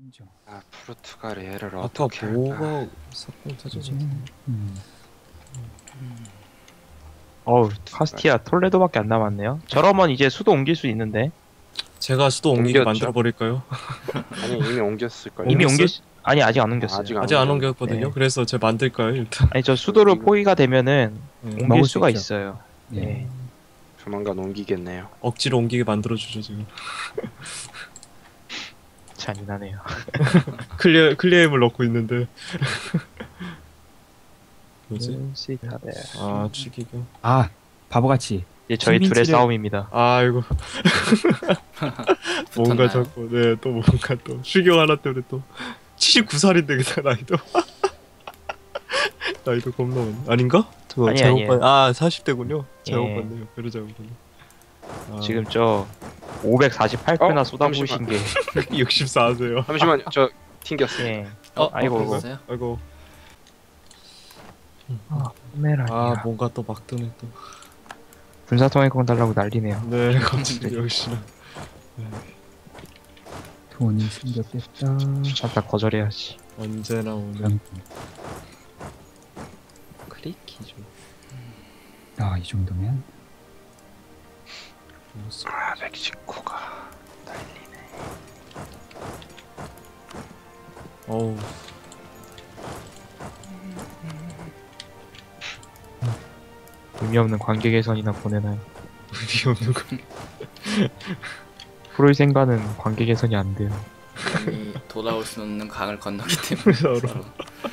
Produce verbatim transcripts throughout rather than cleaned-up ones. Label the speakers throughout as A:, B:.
A: 인정.
B: 아 포르투갈의 얘를
C: 아까
B: 어떻게
C: 뭐가 사건 터졌지?
A: 음.
D: 어우, 카스티아 톨레도밖에 안 남았네요. 저러면 이제 수도 옮길 수 있는데.
C: 제가 수도 옮기게
B: 옮겼죠?
C: 만들어 버릴까요?
B: 아니 이미 옮겼을걸요.
D: 이미
C: 옮겼어요?
D: 옮길 수... 아니, 아직 안 옮겼어요.
B: 아직
C: 아직 안
B: 옮겼는데.
C: 옮겼거든요.
D: 네.
C: 그래서 제가 만들까요 일단?
D: 아니, 저 수도로
B: 이거-
D: 포기가 되면은
C: 네.
D: 옮길
A: 먹을 수
D: 수가
A: 있죠.
D: 있어요.
A: 예.
D: 네.
B: 조만간 옮기겠네요.
C: 억지로 옮기게 만들어 주죠 지금.
D: 잔인하네요.
C: 클리어 클리어임을 넣고 있는데. 뭐지?
D: 시타데.
C: 아 추기경.
A: 아 바보같이.
D: 이제 저희
A: 신민치를-
D: 둘의 싸움입니다.
C: 아이고 뭔가
E: 붙었나요?
C: 자꾸 네또 뭔가 또 추경 하나 때문에 또 칠십구 살인데 그 나이도 나이도 겁나 많네. 아닌가? 저
D: 아니,
C: 잘못
D: 아니에요.
C: 봤. 아 사십 대군요. 잘못
D: 예.
C: 봤네요. 그래 잘못 봤네. 아,
D: 지금 저 오백사십팔 표나
B: 어?
D: 쏟아부으신 게.
C: 육십사 세요.
B: 잠시만요. 저 튕겼어요.
D: 예.
E: 어,
D: 아이고,
E: 아이고.
D: 아이고.
E: 있어요?
C: 아이고.
D: 아, 포메라니아.
C: 아 뭔가 또 막 뜨네 또.
D: 군사통행권 달라고 난리네요.
C: 네 갑자기 역시나.
A: 돈이 생겼겠다.
D: 다 거절해야지.
C: 언제나 오는
A: 그럼
C: 크리키죠.
A: 아이 정도면
B: 아 멕시코가 난리네.
C: 어우
D: 의미 없는 관계 개선이나 보내나요?
C: 의미 없는 거.
D: 프로이센과는 관계 개선이 안 돼요.
E: 이미 돌아올 수 없는 강을 건너기 때문에
C: 서로.
E: 서로.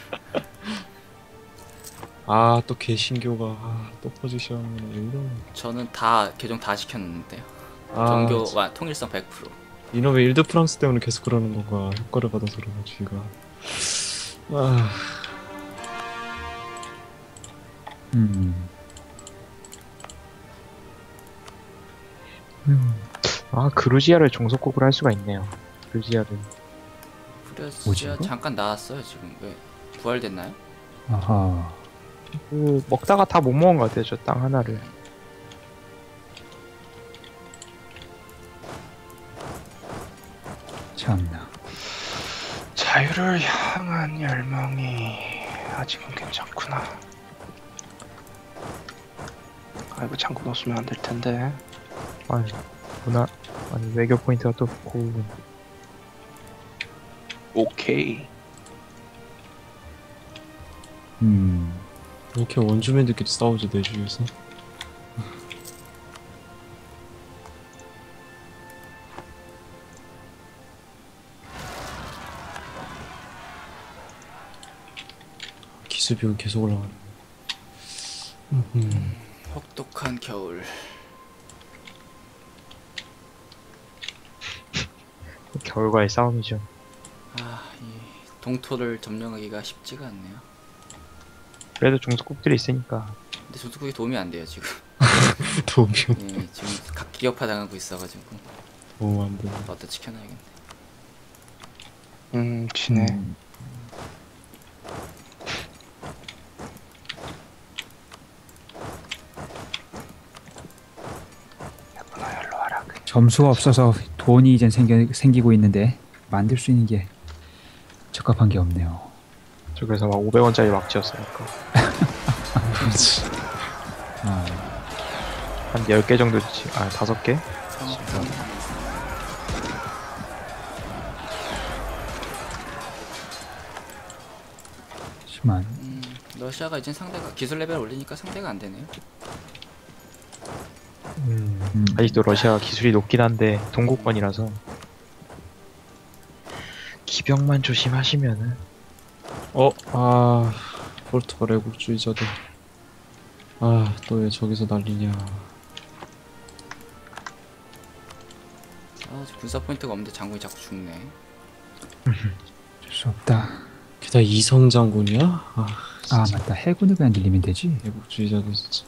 C: 아또 개신교가 아, 또 포지션 이런.
E: 저는 다 계정 다 시켰는데요.
C: 아,
E: 종교와 통일성 백 퍼센트.
C: 이놈의 일드 프랑스 때문에 계속 그러는 건가. 효과를 받아서 그런가 쥐가. 아
A: 음.
D: 아, 그루지아를 종속국으로 할 수가 있네요. 그루지아를.
A: 뭐지,
E: 프레시아
A: 이거?
E: 잠깐 나왔어요 지금. 왜 부활됐나요?
A: 아하.
D: 그 먹다가 다 못 먹은 것 같아요. 저 땅 하나를.
A: 참나.
B: 자유를 향한 열망이 아직은 괜찮구나. 아이고 창고 넣었으면 안 될 텐데.
D: 아니, 문화, 아니, 외교 포인트가 또 고운.
B: 오케이.
A: 음.
C: 이렇게 원주민들끼리 싸우지 내 주위에서. 기습이 계속 올라가네. 음.
E: 혹독한 겨울.
D: 겨울과의 싸움이죠.
E: 아, 이 동토를 점령하기가 쉽지가 않네요.
D: 그래도 종속국들이 있으니까.
E: 근데 조수국이 도움이 안 돼요 지금.
C: 도움이
E: 예, 지금 각 기업화 당하고 있어가지고
C: 너무 안 돼.
E: 어디다 지켜놔야겠네.
B: 음 지네.
A: 음.
B: 야구나 열로 와라.
A: 점수가 없어서 돈이 이젠 생겨, 생기고 있는데 만들 수 있는 게 적합한 게 없네요.
D: 저 그래서 막 오백 원짜리 막 지었으니까.
C: 그렇지.
A: 아,
D: 한 열 개 정도 지, 아, 다섯 개?
A: 심한.
E: 음, 러시아가 이제 상대가 기술 레벨 올리니까 상대가 안 되네요.
A: 음.
D: 아직도 러시아가 기술이 높긴 한데, 동국권이라서. 기병만 조심하시면은.
C: 어, 아, 포르투갈 애국주의자들. 아, 또 왜 저기서 난리냐.
E: 아, 군사 포인트가 없는데 장군이 자꾸 죽네.
A: 어쩔 수 없다.
C: 게다가 이성 장군이야? 아,
A: 아
C: 진짜.
A: 맞다. 해군을 그냥 늘리면 되지.
C: 애국주의자들 진짜.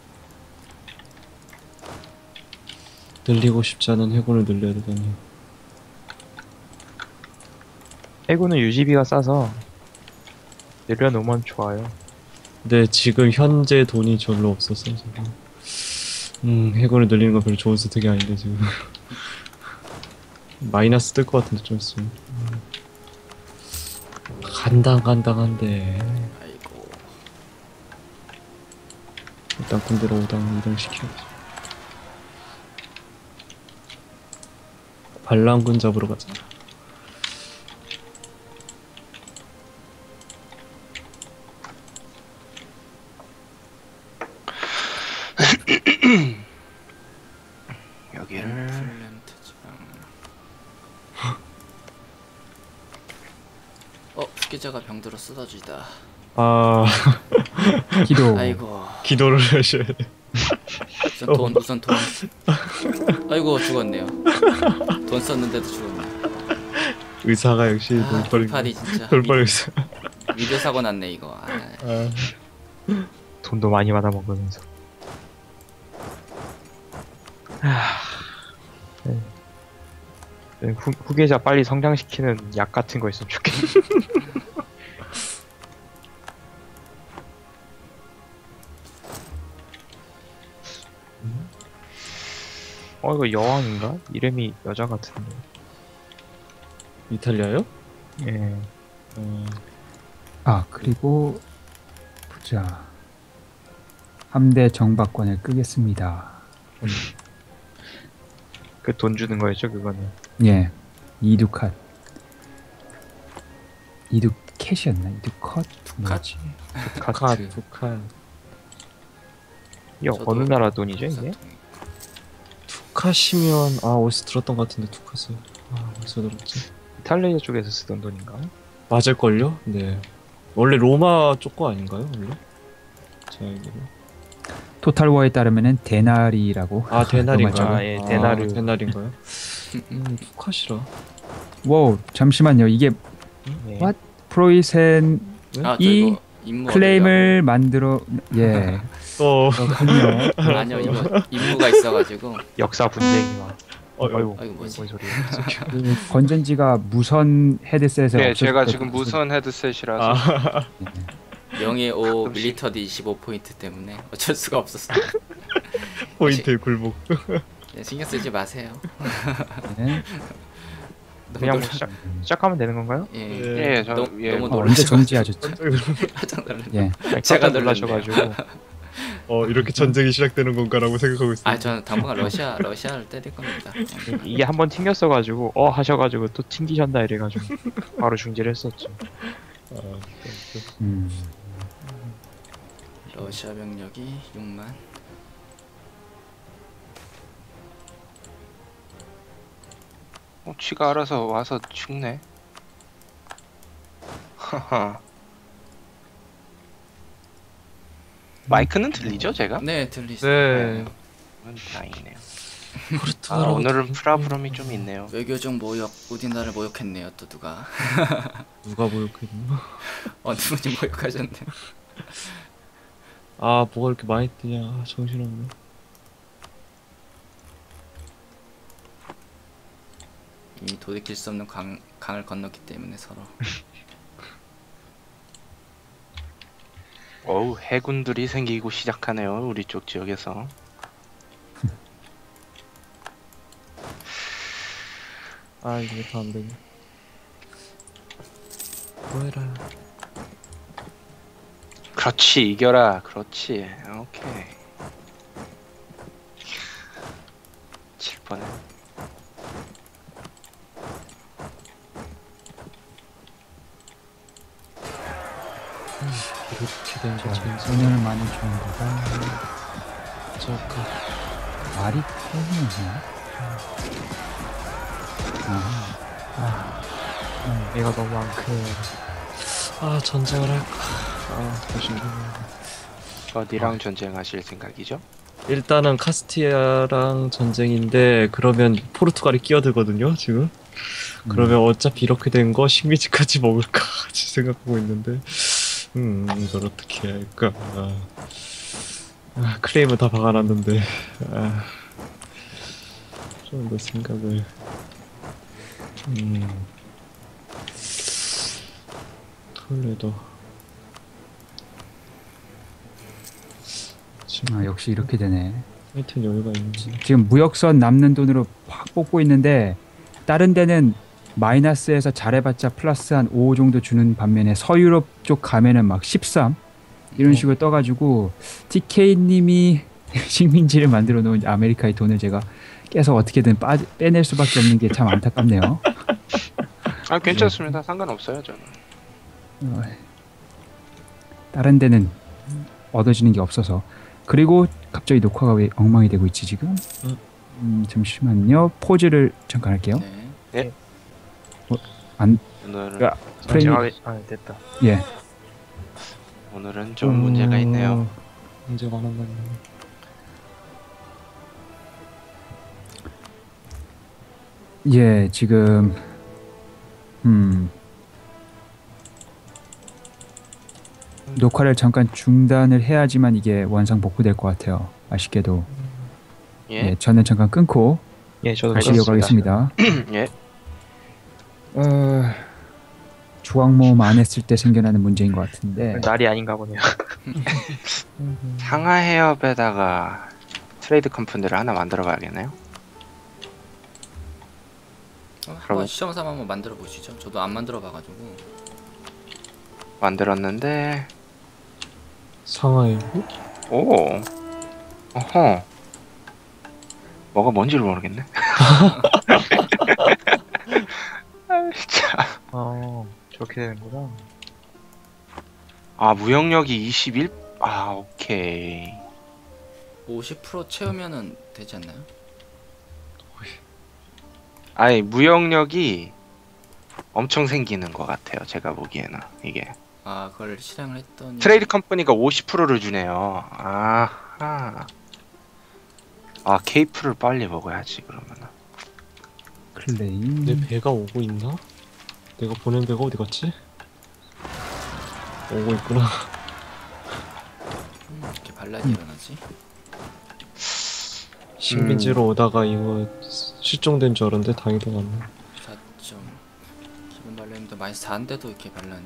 C: 늘리고 싶지 않은 해군을 늘려야 되다니.
D: 해군은 유지비가 싸서, 내려놓으면 좋아요.
C: 근데 지금 현재 돈이 별로 없어서 지금. 음, 해군을 늘리는 건 별로 좋은 선택이 아닌데 지금. 마이너스 뜰 것 같은데 좀 있으면. 간당간당한데.
E: 아이고.
C: 일단 군대로 오당 이동시켜야지. 반란군 잡으러 가자.
B: 여기를
E: 플랜트 지방. 어, 피해자가 병들어 쓰러지다.
C: 아
A: 기도.
E: 아이고.
C: 기도를 하셔야 돼.
E: 우선 돈, 우선 돈. 아이고 죽었네요. 돈 썼는데도 죽었네.
C: 의사가 역시
E: 아,
C: 돌발
E: 돌팔이 진짜.
C: 돌발 의사.
E: 위드 사고 났네 이거. 아,
C: 아,
D: 돈도 많이 받아 먹으면서. 네. 네, 후, 후계자 빨리 성장시키는 약 같은 거 있으면 좋겠네. 어 이거 여왕인가? 이름이 여자 같은데.
C: 이탈리아요?
D: 예.
C: 어,
A: 아 그리고 보자. 함대 정박권을 끄겠습니다.
D: 그 돈 주는 거였죠 그거는.
A: 예, 이두컷. 이두캣이었나? 이두컷? 뭐지?
C: 북한 북한
D: 이게
E: 저도
D: 어느 나라 돈이죠 이게?
E: 사통이.
C: 투카시면 아 어디서 들었던 것 같은데 투카스 아 어디서 들었지?
D: 이탈리아 쪽에서 쓰던 돈인가?
C: 맞을걸요? 네 원래 로마 쪽 거 아닌가요 원래? 제가 알기로
A: 토탈워에 따르면은 데나리라고.
C: 아 데나리인가요?
D: 아, 예, 데나르.
C: 아, 데나리인가요? 음 투카시라
A: 와우, 잠시만요. 이게
D: 예.
A: What? 프로이센
E: 아, 저
A: 이
E: 이거 임무
A: 클레임을 만들어 예.
C: 또
A: 그렇군요.
E: 얻으려고. 아니요 이거 임무가 있어가지고.
D: 역사 분쟁이와.
C: 어,
D: 아이고,
E: 아이고, 뭐지?
D: 뭔 소리야?
A: 그 건전지가 무선 헤드셋에
B: 네,
A: 없을
B: 제가
A: 것
B: 지금
A: 같아서.
B: 무선 헤드셋이라서
C: 아,
E: 명예 오
B: 가끔씩.
E: 밀리터디 이십오 포인트 때문에 어쩔 수가 없었어.
C: 포인트의 굴복
E: 네, 신경 쓰지 마세요.
A: 네.
E: 너무
D: 그냥 뭐
E: 놀라-
D: 시작 시작하면 되는 건가요?
E: 예.
C: 예.
B: 예, 저
E: 너무,
B: 예,
E: 너무
A: 어,
E: 놀라셔.
A: 언제 정지하셨죠?
E: 깜짝 놀랐네.
A: 예.
D: 아니,
E: 제가
D: 깜짝 놀라셔가지고.
C: 어 이렇게 전쟁이 시작되는 건가라고 생각하고 있어요.
E: 아, 저는 당분간 러시아 러시아를 때릴 겁니다.
D: 이게 한번 튕겼어가지고 어 하셔가지고 또 튕기셨나 이래가지고 바로 중지를 했었죠.
C: 아,
A: 음.
E: 러시아 병력이 육만.
B: 어, 지가 알아서 와서 죽네. 하하. 마이크는 들리죠, 제가?
E: 네, 들리죠.
C: 네.
B: 그건 다행이네요. 아,
C: 포르투갈하고
B: 오늘은 프라브럼이 좀 있네요.
E: 외교적 모욕, 우리나라를 모욕했네요. 또 누가
C: 누가 모욕했나?
E: 어느 분이 모욕하셨네.
C: 아 뭐가 이렇게 많이 뜨냐? 아, 정신없네.
E: 이미 돌이킬 수 없는 강, 강을 건넜기 때문에 서로.
B: 어우, 해군들이 생기고 시작하네요, 우리 쪽 지역에서.
C: 아 이게 다 안 되네. 뭐해라.
B: 그렇지, 이겨라. 그렇지. 오케이. 칠 번에.
C: 이렇게 된
A: 자,
C: 거지.
A: 오늘 많이 좋은 거가
C: 잠깐.
A: 말이 편이었나? 아, 아,
D: 얘가 너무 안 크네.
C: 아 전쟁을 할까? 아 조심.
B: 어디랑 전쟁하실 생각이죠?
C: 일단은 카스티아랑 전쟁인데 그러면 포르투갈이 끼어들거든요 지금. 그러면 어차피 이렇게 된 거 식민지까지 먹을까 같이 생각하고 있는데 음 이걸 어떻게 해야 할까. 아, 아 클레임은 다 박아놨는데 아, 좀 더 생각을 음 톨레도 지금
A: 아, 역시 이렇게 되네.
C: 하여튼 여유가 있는지
A: 지금 무역선 남는 돈으로 확 뽑고 있는데 다른 데는 마이너스에서 잘해봤자 플러스 한 오 정도 주는 반면에 서유럽 쪽 가면은 막 십삼 이런 식으로 떠가지고 티케이님이 식민지를 만들어 놓은 아메리카의 돈을 제가 계속 어떻게든 빠, 빼낼 수밖에 없는 게 참 안타깝네요.
B: 아 괜찮습니다. 상관없어요 저는.
A: 어, 다른 데는 얻어지는 게 없어서. 그리고 갑자기 녹화가 왜 엉망이 되고 있지 지금? 음, 잠시만요. 포즈를 잠깐 할게요.
E: 네.
A: 안
B: 오늘은
A: 야, 프레임이
D: 정확하게- 아 됐다.
A: 예.
B: 오늘은 좀 문제가 있네요.
C: 문제가 하나 있네.
A: 예, 지금 음 녹화를 잠깐 중단을 해야지만 이게 원상 복구될 것 같아요. 아쉽게도.
B: 예.
A: 예, 저는 잠깐 끊고
D: 예, 저도
A: 다시
D: 그렇습니다.
A: 이어가겠습니다.
B: 예.
A: 어, 조각모음 안 했을 때 생겨나는 문제인 것 같은데.
D: 날이 아닌가 보네요.
B: 상하 해협에다가 트레이드 컴퍼니를 하나 만들어 봐야겠네요.
E: 어, 한번
B: 그러면-
E: 시험 삼아 한번 만들어 보시죠. 저도 안 만들어 봐가지고.
B: 만들었는데
C: 상하이.
B: 오. 어허. 뭐가 뭔지를 모르겠네. 아, 진짜.
D: 어, 저렇게 되는구나.
B: 아 무역력이 이십일. 아 오케이.
E: 오십 퍼센트 채우면은 되지 않나요?
B: 아니 무역력이 엄청 생기는 것 같아요. 제가 보기에는 이게
E: 아, 그걸 실행을 했더니
B: 트레이드 컴퍼니가 오십 퍼센트를 주네요. 아하. 아 케이프를 빨리 먹어야지 그러면은.
A: 클레임.
C: 내 배가 오고 있나? 내가 보낸 배가 어디 갔지? 오고 있구나.
E: 음, 이렇게 반란이 일어나지?
C: 식민지로 오다가 이거 실종된 줄 알았는데 다행히도 왔네.
E: 사 점 기본 반란인데 마이너스 사인데도 이렇게 반란이.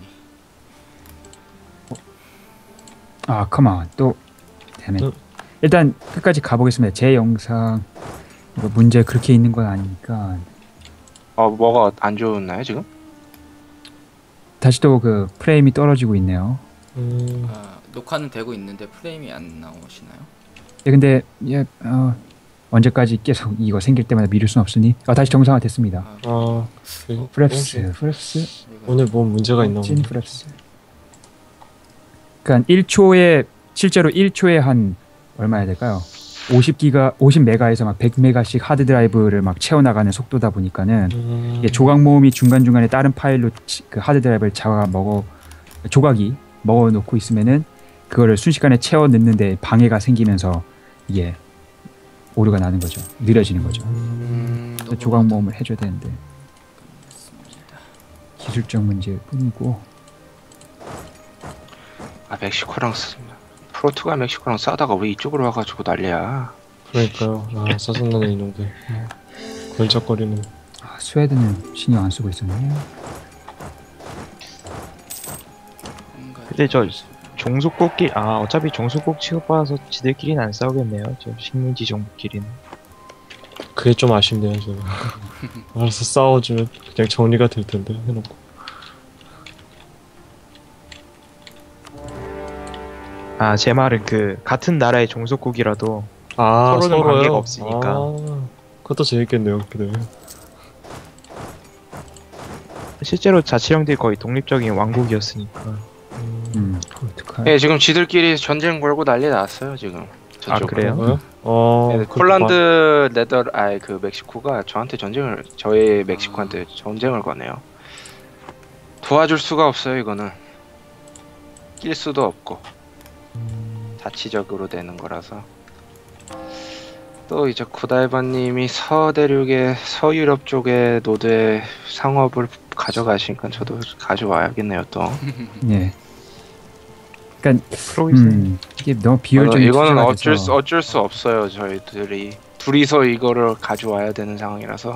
A: 아, 컴온. 또 데밋.
C: 어.
A: 일단 끝까지 가보겠습니다. 제 영상 이거 문제 그렇게 있는 건 아니니까
B: 어 뭐가 안 좋나요 지금?
A: 다시 또 그 프레임이 떨어지고 있네요.
C: 음,
E: 아, 녹화는 되고 있는데 프레임이 안 나오시나요?
A: 예, 근데 예, 어, 언제까지 계속 이거 생길 때마다 미룰 순 없으니 아, 다시 정상화 됐습니다.
E: 아,
C: 아, 그-
A: 프랩스, 프랩스,
E: 이거-
C: 오늘 뭐 문제가 있나
A: 찐
C: 보네.
A: 프랩스. 그러니까 일 초에 실제로 일 초에 한 얼마 해야 될까요? 오십 기가, 오십 메가에서 막 백 메가씩 하드 드라이브를 막 채워 나가는 속도다 보니까는
C: 음,
A: 이게 조각 모음이 중간 중간에 다른 파일로 치- 그 하드 드라이브를 잡아 먹어 조각이 먹어 놓고 있으면은 그거를 순식간에 채워 넣는데 방해가 생기면서 이게 오류가 나는 거죠. 느려지는 거죠.
B: 음,
A: 그래서 조각 모음을 해줘야 되는데
E: 맞습니다.
A: 기술적 문제일 뿐이고.
B: 아 멕시코랑 쓰, 프로투갈 멕시코랑 싸다가 왜 이쪽으로 와가지고 난리야.
C: 그러니까요. 아, 짜증나네 이놈들. 걸작거리는.
A: 아, 스웨덴은 신경 안 쓰고 있었네.
E: 뭔가
D: 근데 저 종속국끼리 아 어차피 종속국 취급받아서 지들끼리는 안 싸우겠네요. 저 식민지 정부끼리는.
C: 그게 좀 아쉽네요, 저는. 알아서 싸워주면 그냥 정리가 될 텐데, 해놓고.
D: 아 제 말은 그 같은 나라의 종속국이라도
C: 아,
D: 서로는
C: 서로요?
D: 관계가 없으니까.
C: 아, 그것도 재밌겠네요, 그래.
D: 실제로 자치령들이 거의 독립적인 왕국이었으니까.
C: 음,
A: 음, 포르투갈.
B: 예 지금 지들끼리 전쟁 걸고 난리 났어요 지금.
D: 아,
B: 저쪽으로.
D: 그래요?
C: 그런가요? 어,
B: 예,
C: 그것도
B: 폴란드 네더 아이 그 멕시코가 저한테 전쟁을 저희 멕시코한테 전쟁을 거네요. 도와줄 수가 없어요 이거는. 낄 수도 없고 자치적으로 되는 거라서. 또 이제 구다이바님이 서대륙의 서유럽 쪽의 노대 상업을 가져가시니까 저도 가져와야겠네요 또.
A: 예. 그러니까
D: 프로이스.
A: 음, 이게 너무 비효율적인
B: 어, 이거는
A: 투자가
B: 어쩔
A: 돼서
B: 수 어쩔 수 없어요 저희들이 둘이서 이거를 가져와야 되는 상황이라서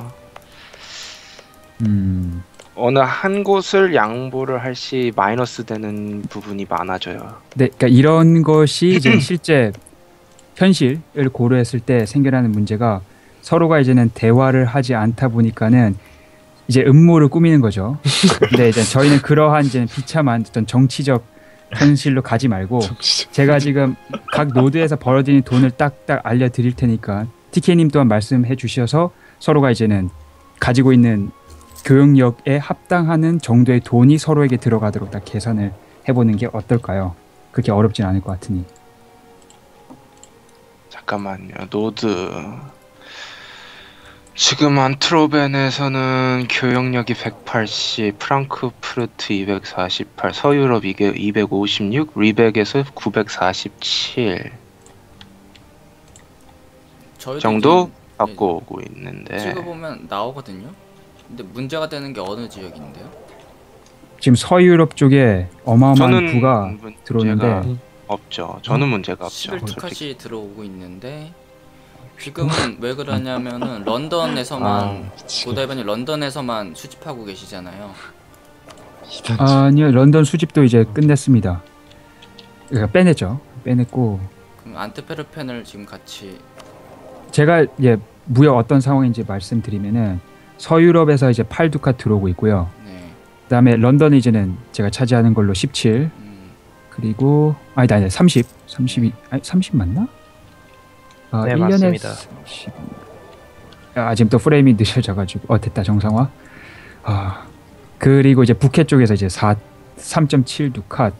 A: 음,
B: 어느 한 곳을 양보를 할 시 마이너스 되는 부분이 많아져요.
A: 네, 그러니까 이런 것이 이제 실제 현실을 고려했을 때 생겨나는 문제가 서로가 이제는 대화를 하지 않다 보니까는 이제 음모를 꾸미는 거죠. 근데 이제 저희는 그러한 이제 비참한 어떤 정치적 현실로 가지 말고 제가 지금 각 노드에서 벌어지는 돈을 딱딱 알려드릴 테니까 티케이님 또한 말씀해 주셔서 서로가 이제는 가지고 있는 교역력에 합당하는 정도의 돈이 서로에게 들어가도록 딱 계산을 해보는 게 어떨까요? 그렇게 어렵진 않을 것 같으니.
B: 잠깐만요. 노드. 지금 안트로벤에서는 교역력이 백팔십, 프랑크푸르트 이백사십팔, 서유럽 이게 이백오십육, 리벡에서 구백사십칠
E: 저희도
B: 정도
E: 지금,
B: 갖고 오고 있는데
E: 네, 찍어보면 나오거든요. 근데 문제가 되는 게 어느 지역인데요?
A: 지금 서유럽 쪽에 어마어마한
B: 저는
A: 부가
B: 문제가
A: 들어오는데
B: 없죠. 저는 문제가 없죠.
E: 십일
B: 솔직히.
E: 투카시 들어오고 있는데 지금은 왜 그러냐면은 런던에서만
C: 아,
E: 고다이반이 런던에서만 수집하고 계시잖아요.
A: 아니요, 런던 수집도 이제 끝냈습니다. 그러니까 빼냈죠. 빼냈고
E: 그럼 안트페르펜을 지금 같이
A: 제가 예 무역 어떤 상황인지 말씀드리면은 서유럽에서 이제 팔 두카 들어오고 있고요.
E: 네.
A: 그다음에 런던은 이제는 제가 차지하는 걸로 십칠.
E: 음,
A: 그리고 아니다 아니다 삼십. 삼십이 아니 삼십 맞나? 아,
D: 네,
A: 일 년에
D: 맞습니다.
A: 삼십. 아, 지금 또 프레임이 늦어져 가지고 어 됐다 정상화. 아. 그리고 이제 북해 쪽에서 이제 사 삼 점 칠 두카.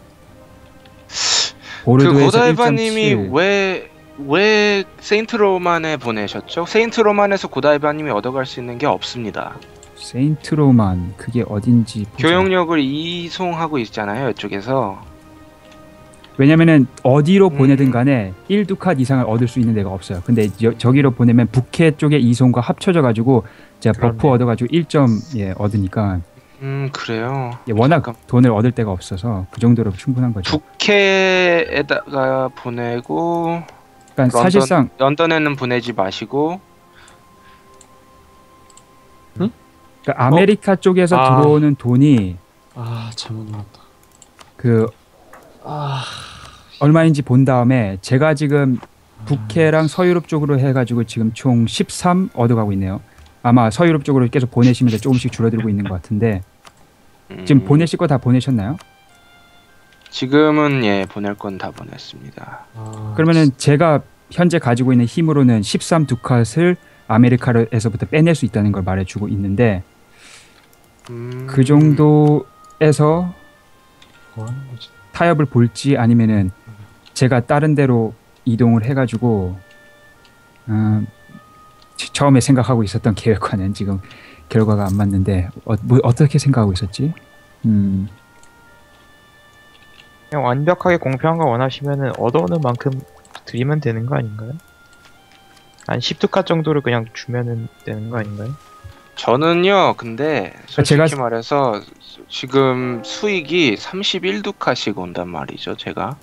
B: 그
A: 보르도에서
B: 고다이바님이
A: 일 점 칠.
B: 왜 왜 세인트 로만에 보내셨죠? 세인트 로만에서 고다이바님이 얻어갈 수 있는 게 없습니다.
A: 세인트 로만 그게 어딘지 보자.
B: 교역력을 이송하고 있잖아요, 이쪽에서.
A: 왜냐면은 어디로
B: 음.
A: 보내든 간에 일 두칸 이상을 얻을 수 있는 데가 없어요. 근데 여, 저기로 보내면 북해 쪽의 이송과 합쳐져 가지고 제가 버프
D: 그렇네.
A: 얻어 가지고 일 점 예, 얻으니까
B: 음, 그래요.
A: 예, 워낙
B: 잠깐.
A: 돈을 얻을 데가 없어서 그 정도로 충분한 거죠.
B: 북해에다가 보내고
A: 그러니까
B: 런던,
A: 사실상
B: 런던에는 보내지 마시고
A: 그러니까 아메리카 쪽에서
C: 아.
A: 들어오는 돈이
C: 아 잘못 눌렀다.
A: 그
C: 아
A: 얼마인지 본 다음에 제가 지금 북해랑 서유럽 쪽으로 해가지고 지금 총 십삼 얻어가고 있네요. 아마 서유럽 쪽으로 계속 보내시면서 조금씩 줄어들고 있는 것 같은데
B: 음,
A: 지금 보내실 거 다 보내셨나요?
B: 지금은 예 보낼 건 다 보냈습니다.
C: 아,
A: 그러면은 제가 현재 가지고 있는 힘으로는 십삼 두칸을 아메리카에서부터 빼낼 수 있다는 걸 말해주고 있는데
B: 음,
A: 그 정도에서
C: 뭐 하는 거지?
A: 타협을 볼지 아니면은 제가 다른 데로 이동을 해가지고 음, 치- 처음에 생각하고 있었던 계획과는 지금 결과가 안 맞는데 어, 뭐, 어떻게 생각하고 있었지? 음,
D: 그냥 완벽하게 공평한 거 원하시면은 얻어오는 만큼 드리면 되는 거 아닌가요? 한 십 두카 정도를 그냥 주면은 되는 거 아닌가요?
B: 저는요, 근데 솔직히
A: 제가-
B: 말해서 지금 수익이 삼십일 두카씩 온단 말이죠, 제가.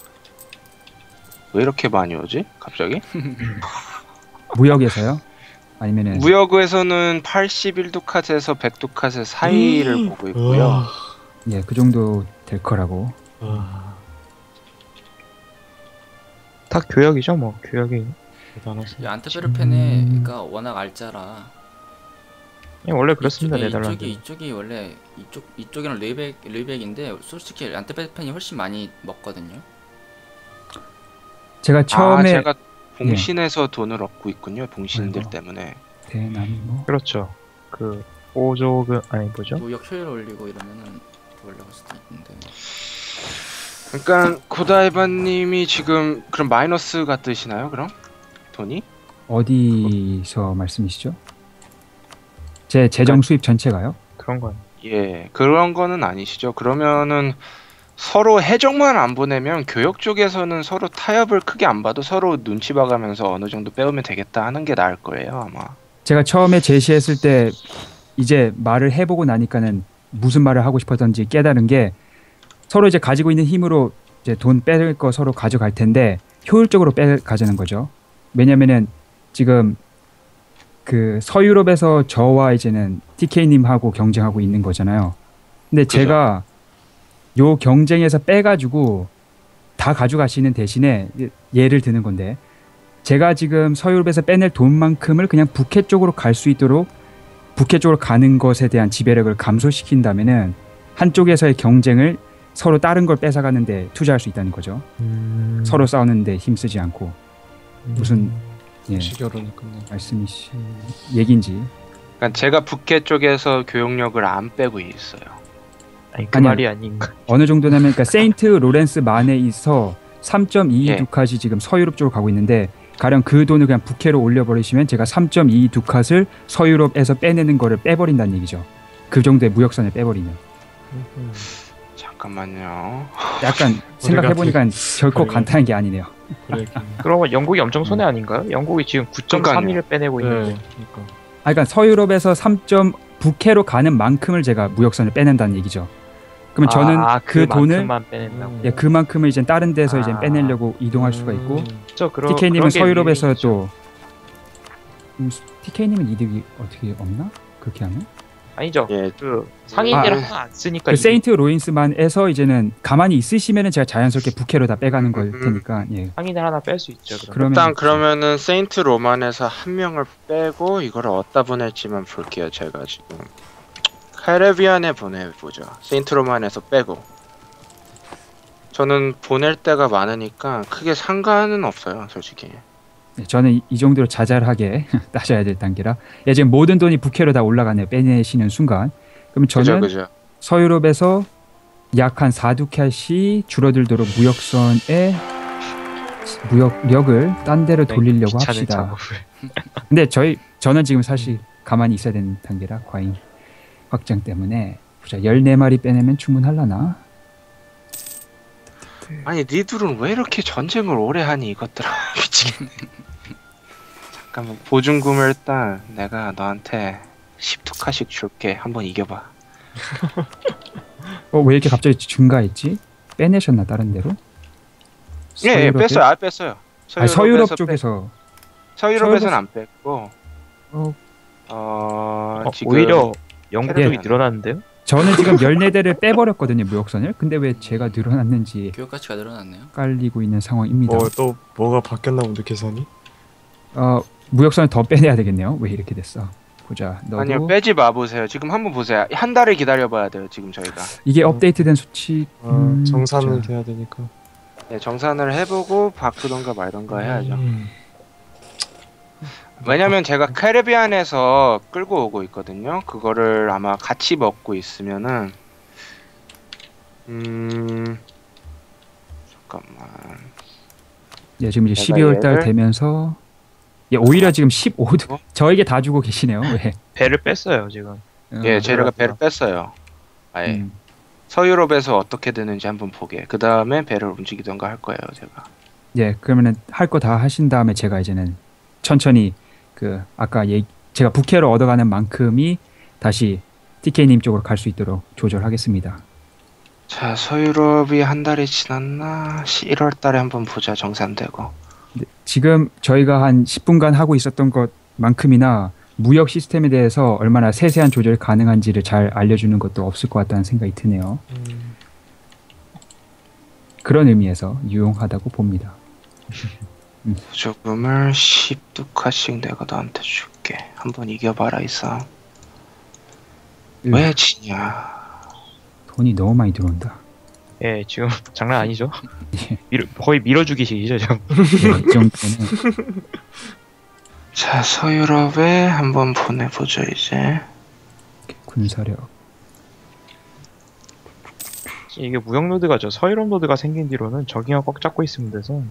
B: 왜 이렇게 많이 오지? 갑자기?
A: 무역에서요? 아니면은
B: 무역에서는 팔십일 두카에서 백 두카의 사이를 보고 있고요.
C: 아,
A: 예, 그 정도 될 거라고.
C: 아,
D: 다 교역이죠, 뭐 교역이.
E: 이 안트페르펜에가 워낙 알짜라
D: 그냥 원래 그렇습니다,
E: 이쪽이,
D: 네덜란드.
E: 이쪽이 이쪽이 원래 이쪽 이쪽에는 르이벡 르이벡인데 솔직히 안트페르펜이 훨씬 많이 먹거든요.
A: 제가
B: 아,
A: 처음에
B: 제가 봉신에서 돈을 얻고 있군요, 봉신들
A: 아이고.
B: 때문에.
A: 대나무
D: 그렇죠. 그 오조금 아니 뭐죠?
E: 무역 효율 올리고 이러면은 더 올라갈 수도 있는데.
B: 그러니까 고다이바님이 지금 그럼 마이너스가 뜨시나요, 그럼? 돈이?
A: 어디서 말씀이시죠? 제 재정 수입 전체가요?
D: 그런 거.
B: 예, 그런 거는 아니시죠. 그러면은 서로 해적만 안 보내면 교역 쪽에서는 서로 타협을 크게 안 봐도 서로 눈치 봐가면서 어느 정도 빼오면 되겠다 하는 게 나을 거예요, 아마.
A: 제가 처음에 제시했을 때 이제 말을 해보고 나니까는 무슨 말을 하고 싶었던지 깨달은 게 서로 이제 가지고 있는 힘으로 이제 돈 뺄 거 서로 가져갈 텐데 효율적으로 빼 가자는 거죠. 왜냐면은 지금 그 서유럽에서 저와 이제는 티케이님하고 경쟁하고 있는 거잖아요. 근데
B: 그죠.
A: 제가 요 경쟁에서 빼가지고 다 가져가시는 대신에 예를 드는 건데 제가 지금 서유럽에서 빼낼 돈만큼을 그냥 북해 쪽으로 갈 수 있도록 북해 쪽으로 가는 것에 대한 지배력을 감소시킨다면은 한쪽에서의 경쟁을 서로 다른 걸 뺏어가는데 투자할 수 있다는 거죠.
D: 음...
A: 서로 싸우는데 힘쓰지 않고. 무슨 예,
C: 시결론이 끝나.
A: 말씀이 시- 얘긴지.
B: 그러니까 제가 북해 쪽에서 교역력을 안 빼고 있어요.
D: 아니 그
A: 아니야.
D: 말이 아닌가.
A: 어느 정도냐면 그러니까 세인트 로렌스 만에 있어 삼 점 이이
B: 예.
A: 두캇이 지금 서유럽 쪽으로 가고 있는데 가령 그 돈을 그냥 북해로 올려버리시면 제가 삼 점 이이 두캇을 서유럽에서 빼내는 거를 빼버린다는 얘기죠. 그 정도의 무역선을 빼버리면.
B: 잠깐만요.
A: 약간 생각해보니까 결코
C: 우리가-
A: 간단한 게 아니네요.
C: 그래.
D: 그러면 영국이 엄청 손해 아닌가요? 영국이 지금 구 점 삼 일을 빼내고
C: 네.
D: 있는데.
C: 그러니까.
A: 아, 그러니까 서유럽에서 삼. 북해로 가는 만큼을 제가 무역선을 빼낸다는 얘기죠. 그러면 저는
D: 아,
A: 그 돈을
D: 그만큼만 빼낸다고.
C: 음.
A: 예, 그만큼을 이제 다른 데서 이제
D: 아.
A: 빼내려고 이동할 수가 있고
C: 음.
D: 저 그런
A: 티케이님은
D: 그런 게
A: 서유럽에서
D: 유리하죠.
A: 또 음, 티케이님은 이득이 어떻게 없나? 그렇게 하면?
D: 아니죠.
B: 예,
D: 그 상인들
B: 아,
D: 하나 안 쓰니까
A: 그
D: 이게-
A: 세인트 로인스만에서 이제는 가만히 있으시면은 제가 자연스럽게 북해로 다 빼가는 걸
B: 음.
A: 테니까 예.
D: 상인들 하나 뺄 수 있죠. 그럼.
A: 그러면
B: 일단 그러면은 세인트 로만에서 한 명을 빼고 이거를 어디다 보낼지만 볼게요. 제가 지금 카리비안에 보내보죠. 세인트 로만에서 빼고. 저는 보낼 때가 많으니까 크게 상관은 없어요, 솔직히.
A: 예, 저는 이, 이 정도로 자잘하게 따져야 될 단계라 예, 지금 모든 돈이 북해로 다 올라가네요. 빼내시는 순간. 그럼 저는
B: 그죠, 그죠.
A: 서유럽에서 약 한 사 두캇이 줄어들도록 무역선에 무역력을 딴 데로 돌리려고
D: 귀찮은
A: 합시다.
D: 작업을.
A: 근데 저희 저는 지금 사실 가만히 있어야 되는 단계라 과잉 확장 때문에 보자 열네 마리 빼내면 충분할라나?
B: 아니 니들은 왜 이렇게 전쟁을 오래 하니 이것들아. 미치겠네. 잠깐만 보증금을 일단 내가 너한테 십 두카씩 줄게. 한번 이겨봐.
A: 어, 왜 이렇게 갑자기 증가했지? 빼내셨나 다른 데로?
B: 예, 예
A: 서유럽에?
B: 뺐어요. 아 뺐어요.
A: 아니, 서유럽
B: 뺐-
A: 쪽에서
B: 서유럽에서는
A: 서유럽-
B: 안 뺐고
A: 어,
B: 어,
D: 어,
B: 지금
D: 오히려 영국
B: 예.
D: 쪽이 늘어났는데요?
A: 저는 지금 열네 대를 빼버렸거든요 무역선을. 근데 왜 제가 늘어났는지
E: 교육 가치가 늘어났네요.
A: 깔리고 있는 상황입니다.
C: 뭐 또 뭐가 바뀌었나 본데 계산이?
A: 어, 무역선을 더 빼내야 되겠네요. 왜 이렇게 됐어? 보자. 너도
B: 아니요 빼지 마 보세요. 지금 한번 보세요. 한 달을 기다려봐야 돼요. 지금 저희가
A: 이게 업데이트된 수치
C: 아,
A: 음,
C: 정산을
A: 자,
C: 해야 되니까.
B: 네, 정산을 해보고 바꾸던가 말던가 해야죠.
C: 음.
B: 왜냐면 제가 카리비안에서 끌고 오고 있거든요. 그거를 아마 같이 먹고 있으면은 음 잠깐만
A: 예, 지금 이제
B: 내가
A: 십이월 달
B: 얘를-
A: 되면서 예, 오히려 지금 십오 도
B: 어?
A: 저에게 다 주고 계시네요. 왜?
D: 배를 뺐어요 지금.
B: 예
A: 어,
B: 제가 배를 뺐어요. 아예
A: 음.
B: 서유럽에서 어떻게 되는지 한번 보게. 그 다음에 배를 움직이던가 할 거예요 제가.
A: 예, 그러면은 할 거 다 하신 다음에 제가 이제는 천천히 그 아까 얘기, 제가 북해로 얻어가는 만큼이 다시 티케이님 쪽으로 갈 수 있도록 조절하겠습니다.
B: 자 서유럽이 한 달이 지났나? 일월 달에 한번 보자. 정산되고.
A: 네, 지금 저희가 한 십 분간 하고 있었던 것만큼이나 무역 시스템에 대해서 얼마나 세세한 조절이 가능한지를 잘 알려주는 것도 없을 것 같다는 생각이 드네요.
C: 음.
A: 그런 의미에서 유용하다고 봅니다.
B: 보조금을 십 두카씩 내가 너한테 줄게. 한번 이겨봐라 이 싸움.
A: 음.
B: 왜 지냐?
A: 돈이 너무 많이 들어온다.
D: 예, 지금 장난 아니죠?
A: 예,
D: 밀어, 거의 밀어주기식이죠 지금.
A: 예, 이 정도는
B: 자 서유럽에 한번 보내보죠 이제.
A: 군사력.
D: 이게 무역 노드가 저 서유럽 노드가 생긴 뒤로는 저기만 꽉 잡고 있으면 돼서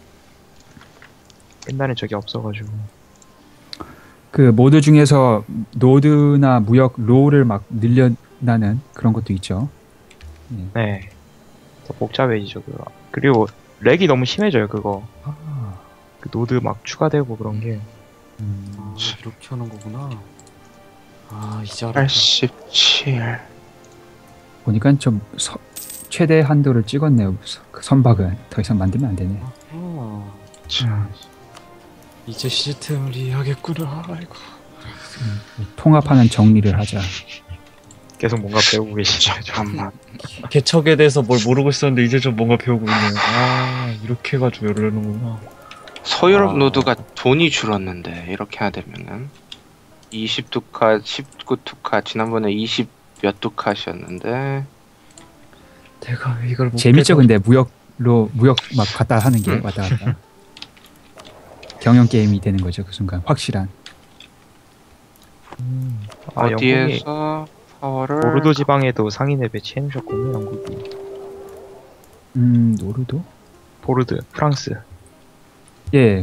D: 옛날엔 저게 없어가지고.
A: 그 모드 중에서 노드나 무역 롤을 막 늘려나는 그런 것도 있죠.
D: 네. 더 복잡해지죠 그거. 그리고 렉이 너무 심해져요 그거.
A: 아,
D: 그 노드 막 추가되고 그런 게.
A: 음,
C: 아, 이렇게 하는 거구나. 아 이제 알았다.
B: 팔십칠.
A: 보니까 좀 서, 최대 한도를 찍었네요. 서- 그 선박은 더 이상 만들면 안 되네.
C: 아,
B: 자,
C: 이제 시스템을 이해하겠구나. 아이고.
A: 통합하는 정리를 하자.
D: 계속 뭔가 배우고 계시죠.
B: 잠깐만.
C: 개척에 대해서 뭘 모르고 있었는데 이제 좀 뭔가 배우고 있네요. 아 이렇게 해가지고 열려는구나.
B: 서유럽
C: 아.
B: 노드가 돈이 줄었는데 이렇게 해야 되면은 이십 두카, 십구 두카, 지난번에 이십 몇 두카셨는데
C: 내가 왜 이걸 못
A: 재밌죠.
C: 깨서-
A: 근데 무역로 무역 막 갔다 하는 게 왔다 갔다. 경영 게임이 되는 거죠 그 순간 확실한.
D: 음. 아, 영국이
B: 어디에서 파워를
D: 보르도 지방에도 상인을 배치해 놓으셨군요, 영국이.
A: 음 노르도?
D: 보르드, 프랑스.
A: 예,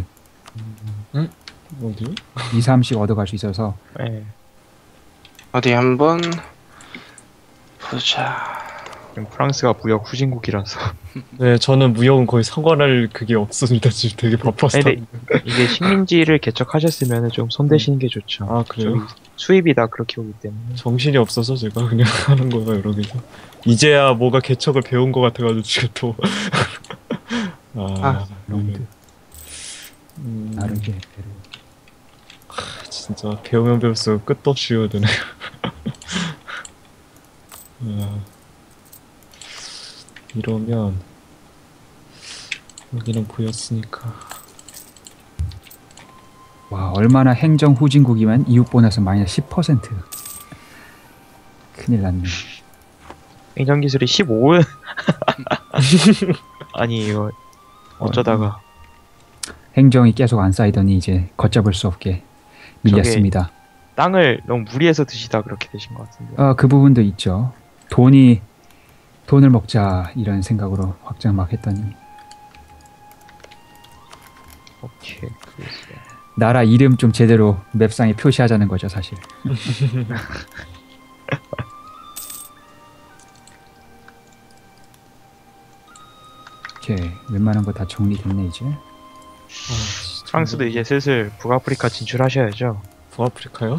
C: 어디?
A: 이, 삼씩 얻어갈 수 있어서
D: 예.
B: 어디 한번 보자.
D: 지금 프랑스가 무역 후진국이라서.
C: 네, 저는 무역은 거의 상관할 그게 없습니다. 지금 되게 바빠서.
D: 아니, 근데 이게 식민지를 개척하셨으면 좀 손대시는 게 좋죠.
C: 아, 그래요?
D: 저기 수입이 다 그렇게 오기 때문에.
C: 정신이 없어서 제가 그냥 하는 거예요, 여기서. 이제야 뭐가 개척을 배운 것 같아가지고 지금 또. 아,
B: 아,
A: 롱드
C: 음,
A: 나르게 페루.
C: 진짜 배우면 배울수록 끝도 없이 외워드네. 아, 이러면 여기는 보였으니까.
A: 와 얼마나 행정 후진국이면 이웃 보너스 마이너스 십 퍼센트. 큰일 났네.
D: 행정기술이 십오은 아니 이거 어쩌다가
A: 행정이 계속 안 쌓이더니 이제 걷잡을 수 없게 밀렸습니다.
D: 땅을 너무 무리해서 드시다 그렇게 되신 것 같은데.
A: 아, 그 부분도 있죠. 돈이 돈을 먹자 이런 생각으로 확장 막 했더니
D: 오케이. 그랬어요.
A: 나라 이름 좀 제대로 맵상에 표시하자는 거죠 사실. 오케이 웬만한 거 다 정리됐네 이제.
C: 아,
D: 프랑스도 이제 슬슬 북아프리카 진출하셔야죠.
C: 북아프리카요?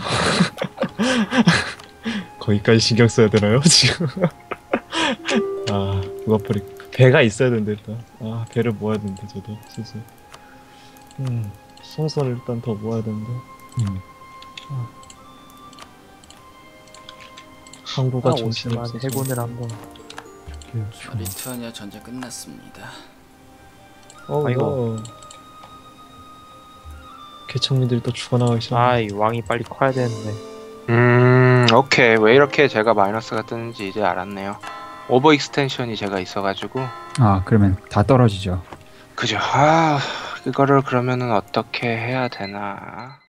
C: 거기까지 신경 써야 되나요 지금? 아 북아프리카 배가 있어야 되는데 일단 아 배를 모아야 되는데 저도 진짜 음 송선을 일단 더 모아야 되는데
A: 음.
C: 항구가
D: 아,
C: 정신이
D: 오스만
C: 없어서
D: 해군을 한번.
E: 리투아니아 전쟁 끝났습니다.
C: 어
D: 아이고.
C: 이거 개척민들이 또 죽어나가기 시작.
D: 아, 이 왕이 빨리 커야 되는데.
B: 음, 오케이. 왜 이렇게 제가 마이너스가 뜨는지 이제 알았네요. 오버 익스텐션이 제가 있어가지고
A: 아 그러면 다 떨어지죠.
B: 그죠. 아, 이거를 그러면은 어떻게 해야 되나?